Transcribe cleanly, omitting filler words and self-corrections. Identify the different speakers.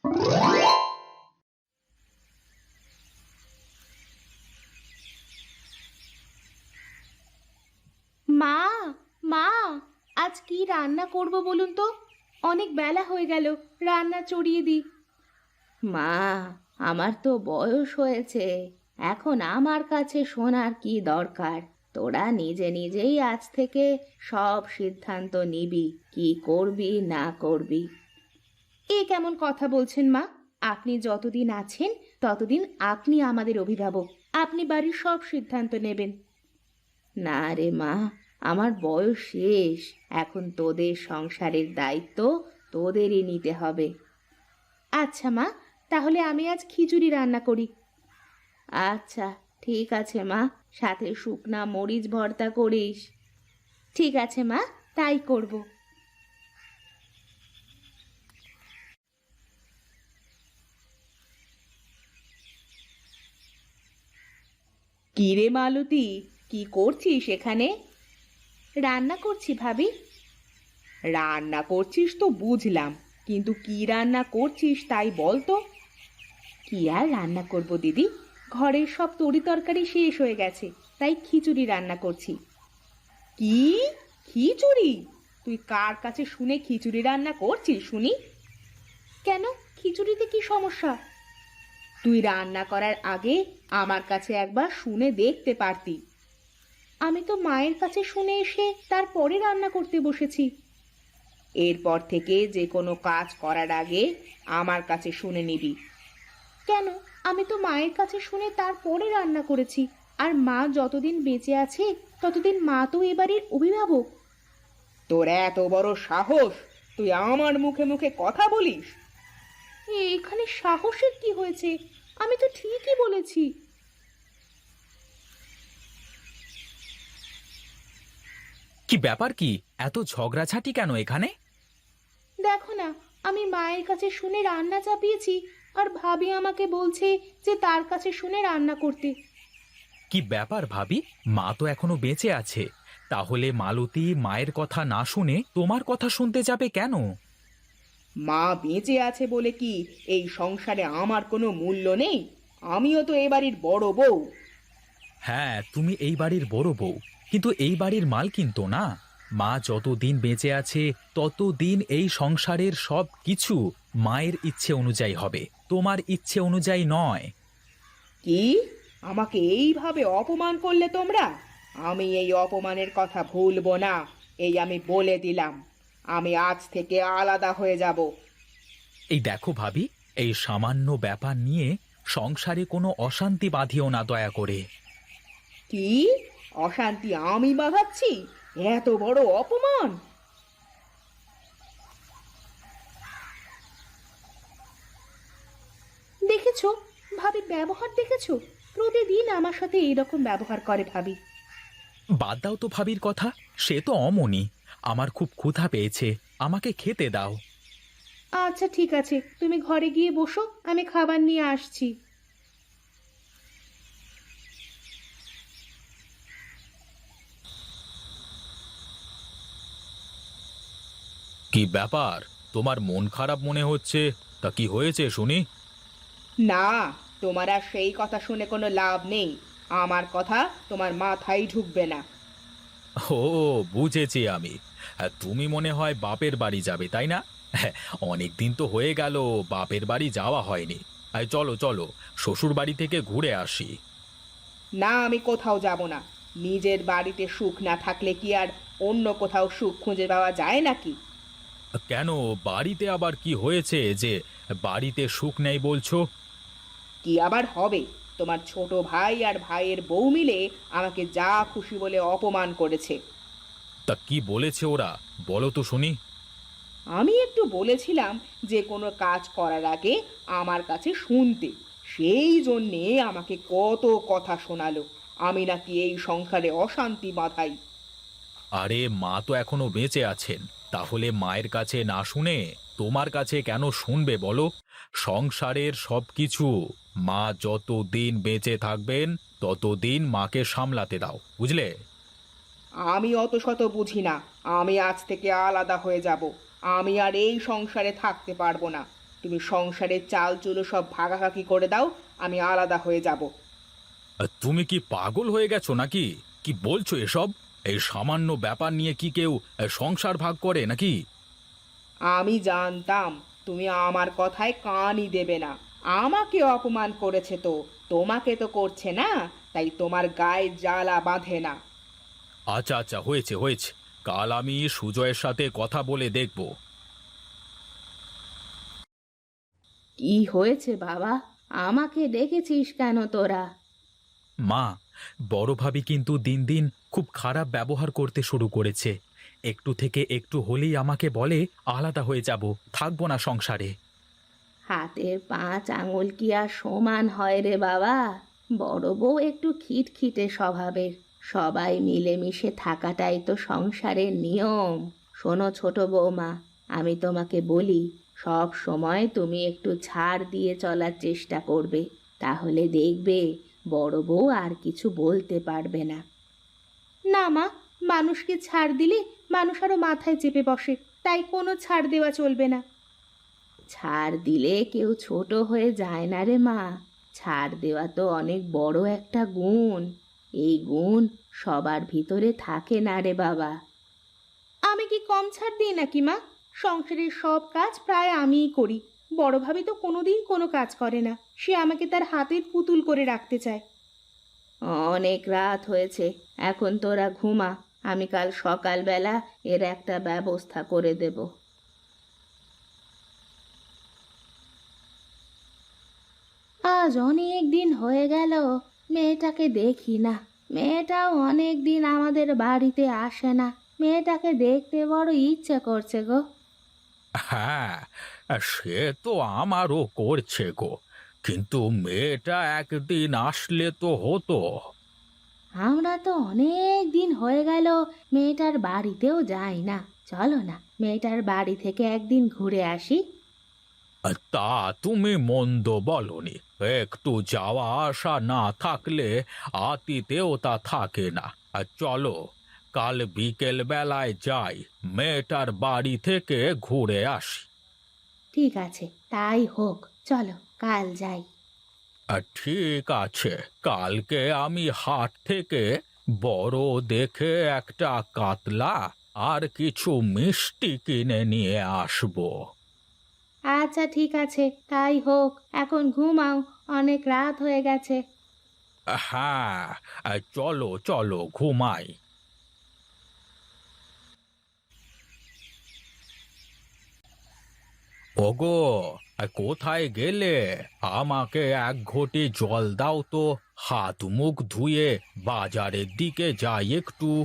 Speaker 1: মা, মা, আজ কি রান্না করব বলুন তো? অনেক বেলা হয়ে গেল, রান্না চড়িয়ে দিই। মা, আমার তো বয়স হয়েছে, এখন আমার কাছে শোনার কি দরকার? তোরা নিজে নিজেই আজ থেকে সব সিদ্ধান্ত নিবি, কি করবি না করবি। এ কেমন কথা বলছেন মা? আপনি যতদিন আছেন ততদিন আপনি আমাদের অভিভাবক, আপনি বাড়ির সব সিদ্ধান্ত নেবেন। না রে মা, আমার বয়স শেষ, এখন তোদের সংসারের দায়িত্ব তোদেরই নিতে হবে। আচ্ছা মা, তাহলে আমি আজ খিচুড়ি রান্না করি। আচ্ছা, ঠিক আছে মা, সাথে শুকনা মরিচ ভর্তা করিস। ঠিক আছে মা, তাই করব। কি রে মালতী, কি করছিস এখানে? রান্না করছি ভাবি। রান্না করছিস তো বুঝলাম, কিন্তু কি রান্না করছিস তাই বল তো। কি আর রান্না করব দিদি, ঘরের সব তরি তরকারি শেষ হয়ে গেছে, তাই খিচুড়ি রান্না করছি। কি? খিচুড়ি? তুই কার কাছে শুনে খিচুড়ি রান্না করছিস শুনি? কেন, খিচুড়িতে কি সমস্যা? তুই রান্না করার আগে আমার কাছে একবার শুনে দেখতে পারতি। আমি তো মায়ের কাছে শুনে এসে তারপরে রান্না করতে বসেছি। এরপর থেকে যে কোনো কাজ করার আগে আমার কাছে শুনে নিবি। কেন, আমি তো মায়ের কাছে শুনে তারপরে রান্না করেছি, আর মা যতদিন বেঁচে আছে ততদিন মা তো এবারের অভিভাবক। তোর এত বড় সাহস, তুই আমার মুখে মুখে কথা বলিস? এখানে সাহসের কি হয়েছে? আমি তো ঠিকই বলেছি।
Speaker 2: কি ব্যাপার? কি এত ঝগড়াঝাটি কেন এখানে?
Speaker 1: দেখো না, আমি মায়ের কাছে শুনে রান্না চাপিয়েছি, আর ভাবি আমাকে বলছে যে তার কাছে শুনে রান্না করতে।
Speaker 2: কি ব্যাপার ভাবি, মা তো এখনো বেঁচে আছে, তাহলে মালতী মায়ের কথা না শুনে তোমার কথা শুনতে যাবে কেন?
Speaker 1: মা বেঁচে আছে বলে কি এই সংসারে আমার কোনো মূল্য নেই? আমিও তো এ বাড়ির বড় বউ।
Speaker 2: হ্যাঁ, তুমি এই বাড়ির বড় বউ, কিন্তু এই বাড়ির মালকিন তো না। মা যতদিন বেঁচে আছে ততদিন এই সংসারের সব কিছু মায়ের ইচ্ছে অনুযায়ী হবে, তোমার ইচ্ছে অনুযায়ী নয়।
Speaker 1: কি? আমাকে এইভাবে অপমান করলে তোমরা? আমি এই অপমানের কথা ভুলবো না, এই আমি বলে দিলাম। আমি আজ থেকে আলাদা হয়ে যাব।
Speaker 2: এই দেখো ভাবি, এই সামান্য ব্যাপার নিয়ে সংসারে কোনো অশান্তি বাঁধিও না দয়া করে।
Speaker 1: কি? অশান্তি আমি বাঁধাচ্ছি? এত বড় অপমান! দেখেছো, ভাবির ব্যবহার দেখেছো? প্রতিদিন আমার সাথে এইরকম ব্যবহার করে ভাবি।
Speaker 2: বাদ দাও তো ভাবির কথা, সে তো অমনি। আমার খুব ক্ষুধা পেয়েছে, আমাকে খেতে দাও।
Speaker 1: আচ্ছা ঠিক আছে, তুমি ঘরে গিয়ে বসো, আমি খাবার নিয়ে আসছি।
Speaker 2: কি ব্যাপার, তোমার মন খারাপ মনে হচ্ছে? তা কি হয়েছে শুনি?
Speaker 1: না, তোমার আর সেই কথা শুনে কোনো লাভ নেই। আমার কথা তোমার মাথায় ঢুকবে না।
Speaker 2: ও, বুঝেছি আমি। তুমি মনে হয় বাপের বাড়ি যাবে, তাই না? অনেক দিন তো হয়ে গেল বাপের বাড়ি যাওয়া হয়নি। চলো চলো, শ্বশুর বাড়ি থেকে ঘুরে আসি।
Speaker 1: না, আমি কোথাও যাব না। নিজের বাড়িতে সুখ না থাকলে কি আর অন্য কোথাও সুখ খুঁজে পাওয়া যায় নাকি?
Speaker 2: কেন, বাড়িতে আবার কি হয়েছে যে বাড়িতে সুখ নেই বলছো?
Speaker 1: কি আবার হবে? তোমার ছোট ভাই আর ভাইয়ের বউ মিলে আমাকে যা খুশি বলে অপমান করেছে।
Speaker 2: তা কি বলেছে ওরা, বলো তো শুনি।
Speaker 1: আমি একটু বলেছিলাম যে কোনো কাজ করার আগে আমার কাছে শুনতে, সেই জন্যে আমাকে কত কথা শোনালো। আমি নাকি এই সংসারে অশান্তি বাঁধাই।
Speaker 2: আরে মা তো এখনো বেঁচে আছেন, তাহলে মায়ের কাছে না শুনে তোমার কাছে কেন শুনবে বলো? সংসারের সবকিছু মা যতদিন বেঁচে থাকবেন ততদিন মাকে সামলাতে দাও, বুঝলে?
Speaker 1: আমি অত শত বুঝি না। আমি আজ থেকে আলাদা হয়ে যাব। আমি আর এই সংসারে থাকতে পারবো না। তুমি সংসারের চাল চুলো সব ভাগাভাগি করে দাও, আমি আলাদা হয়ে যাব।
Speaker 2: তুমি কি পাগল হয়ে গেছো নাকি? কি বলছো এসব? এই সামান্য ব্যাপার নিয়ে কি কেউ সংসার ভাগ করে নাকি?
Speaker 1: আমি জানতাম তুমি আমার কথায় কানই দেবে না। আমাকে অপমান করেছে তো, তোমাকে তো করছে না, তাই তোমার গায়ে জ্বালা বাঁধে না।
Speaker 2: আচ্ছা আচ্ছা, হয়েছে হয়েছে। কাল আমি সুজয়ের সাথে কথা বলে দেখব।
Speaker 1: কি হয়েছে বাবা? আমাকে ডেকেছিস কেন তোরা?
Speaker 2: মা, বড় ভাবি কিন্তু দিন দিন খুব খারাপ ব্যবহার করতে শুরু করেছে। একটু থেকে একটু হলেই আমাকে বলে আলাদা হয়ে যাব, থাকবো না সংসারে।
Speaker 1: হাতের 5 আঙুল কি আর সমান হয় রে বাবা? বড় বউ একটু খিটখিটে স্বভাবের। সবাই মিলেমিশে থাকাটাই তো সংসারের নিয়ম। শোনো ছোট বৌমা, আমি তোমাকে বলি, সব সময় তুমি একটু ছাড় দিয়ে চলার চেষ্টা করবে। তাহলে দেখবে বড় বউ আর কিছু বলতে পারবে না। না মা, মানুষকে ছাড় দিলে মানুষ আরো মাথায় চেপে বসে, তাই কোনো ছাড় দেওয়া চলবে না। ছাড় দিলে কেউ ছোট হয়ে যায় না রে মা। ছাড় দেওয়া তো অনেক বড় একটা গুণ। এই গুণ সবার ভিতরে থাকে না রে বাবা। আমি কি কম ছাড় দিই নাকি মা? সংসারের সব কাজ প্রায় আমিই করি। বড় ভাবি তো কোনোদিন কোনো কাজ করে না, সে আমাকে তার হাতের পুতুল করে রাখতে চায়। অনেক রাত হয়েছে, এখন তোরা ঘুমা। আমি কাল সকালবেলা এর একটা ব্যবস্থা করে দেব। আজ অনেক দিন হয়ে গেল মেয়েটাকে দেখি না। মেয়েটাও অনেক দিন আমাদের বাড়িতে আসে না। মেয়েটাকে দেখতে বড় ইচ্ছে করছে গো।
Speaker 2: হ্যাঁ, সে তো আমারও করছে গো, কিন্তু মেয়েটা একদিন আসলে তো হতো।
Speaker 1: আমরা তো অনেক দিন হয়ে গেল মেয়েটার বাড়িতেও যাই না। চলো না, মেয়েটার বাড়ি থেকে একদিন ঘুরে আসি।
Speaker 2: তা তুমি মন্দ বলনি। একটু যাওয়া আসা না থাকলে আতিতেও তা থাকে না। আর চলো, কাল বিকেল বেলায় যাই, মেয়েটার বাড়ি থেকে ঘুরে আসি।
Speaker 1: ঠিক আছে, তাই হোক, চলো কাল যাই।
Speaker 2: ঠিক আছে, কালকে আমি হাট থেকে বড় দেখে একটা কাতলা আর কিছু মিষ্টি কিনে নিয়ে আসবো।
Speaker 1: আচ্ছা ঠিক আছে, তাই হোক। এখন ঘুমাও, অনেক রাত হয়ে গেছে।
Speaker 2: হ্যাঁ, চলো চলো ঘুমাই। ওগো, কোথায় গেলে? আমাকে এক ঘটি জল দাও তো, হাত মুখ ধুয়ে বাজারের দিকে যাই একটু।